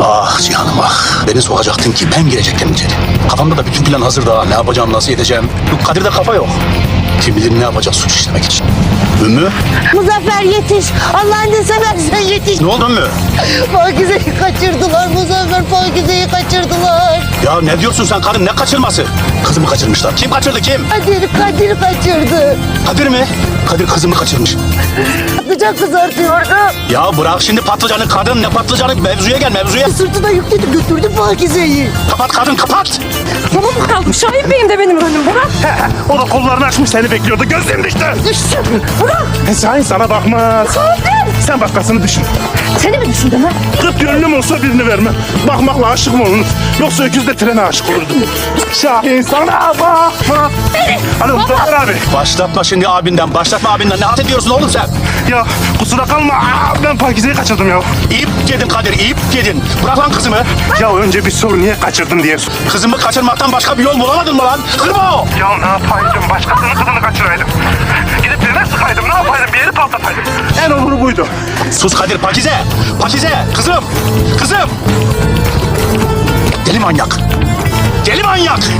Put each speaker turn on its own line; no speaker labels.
Ah Cihan'ım ah. Beni sokacaktın ki ben girecektim içeri. Kafamda da bütün plan hazır daha. Ne yapacağım, nasıl edeceğim. Kadir'de kafa yok. Kim bilir ne yapacak suç işlemek için. Ümmü?
Muzaffer yetiş. Allah'ını seversen yetiş.
Ne oldu Ümmü?
Pakize'yi kaçırdılar Muzaffer. Pakize'yi kaçırdılar.
Ya ne diyorsun sen karın, ne kaçırması? Kızımı kaçırmışlar. Kim kaçırdı kim?
Kadir kaçırdı.
Kadir mi? Kadir kızımı kaçırmış.
Patlıcan kızartıyordu.
Ya bırak şimdi patlıcanı kadın, ne patlıcanı, mevzuya gel mevzuya.
Sırtına yükledi götürdü Pakize'yi.
Kapat kadın kapat.
Tamam mı kaldım? Şahin Bey'im de benim rolüm. Bırak.
O da kollarını açmış seni bekliyordu. Gözlerim düştü.
Düşsün. Bırak.
Şahin sana bakmaz. Sen başkasını düşün.
Seni mi düşündün ha?
40 gönlüm olsa birini vermem. Bakmakla aşık mı olunur? Yoksa öküz de trene aşık olurdum. Şahin sana bakma. Alo Muzaffer abi.
Başlatma şimdi abinden, başlatma abinden. Ne halt ediyorsun oğlum sen?
Ya kusura kalma. Ben Pakize'yi kaçırdım ya.
İp yedin Kadir, ip yedin. Bırak lan kızımı.
Ya önce bir sor niye kaçırdın diye sor.
Kızımı kaçırmaktan başka bir yol bulamadın mı lan? Kırma o.
Ya ne yapaydım? Başkasının kızını kaçıraydım. Gidip trene sıkaydım. Ne yapaydım? Bir yeri patlataydım. En oluru buydu.
Sus Kadir, Pakize. Pakize, kızım. Kızım. Deli manyak. Deli manyak.